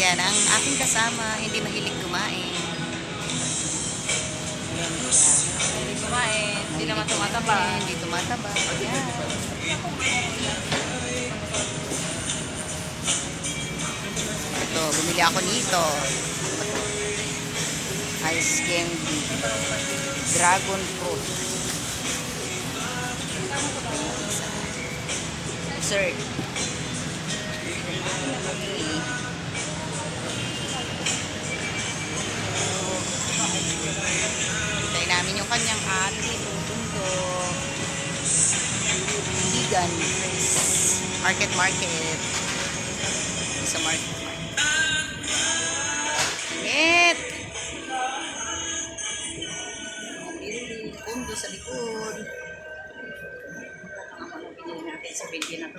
Yan, ang aking kasama, hindi mahilig kumain. Yan siya. Hindi kumain. Hindi naman tumataba. Hindi tumataba. Yan. Ito, bumili ako nito. Ice candy. Dragon fruit. Dessert. Okay. Tayo namin yung kanyang ate, tutundo. Vegan. Market. Sa market. Init! Mabili. Pundo sa likod. Ang mga pinili natin sa binti na to.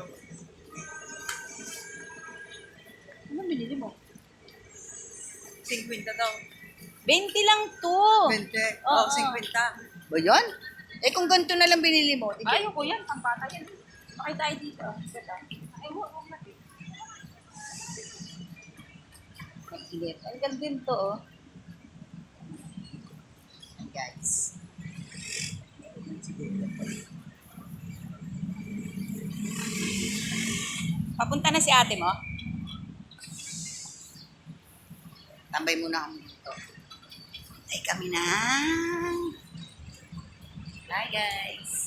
Ano binili mo? 50 daw. 20 lang to. 20? Oo. 50. Ba yun? Eh kung ganito na lang binili mo, di ba? Ayoko yan. Pambata yan. Bakit tayo dito? Ganda. Ay, huwag natin. Init. Ang ganda din to, oh. Guys. Papunta na si ate mo? Tambay muna kami dito. Ay kami na. Bye guys.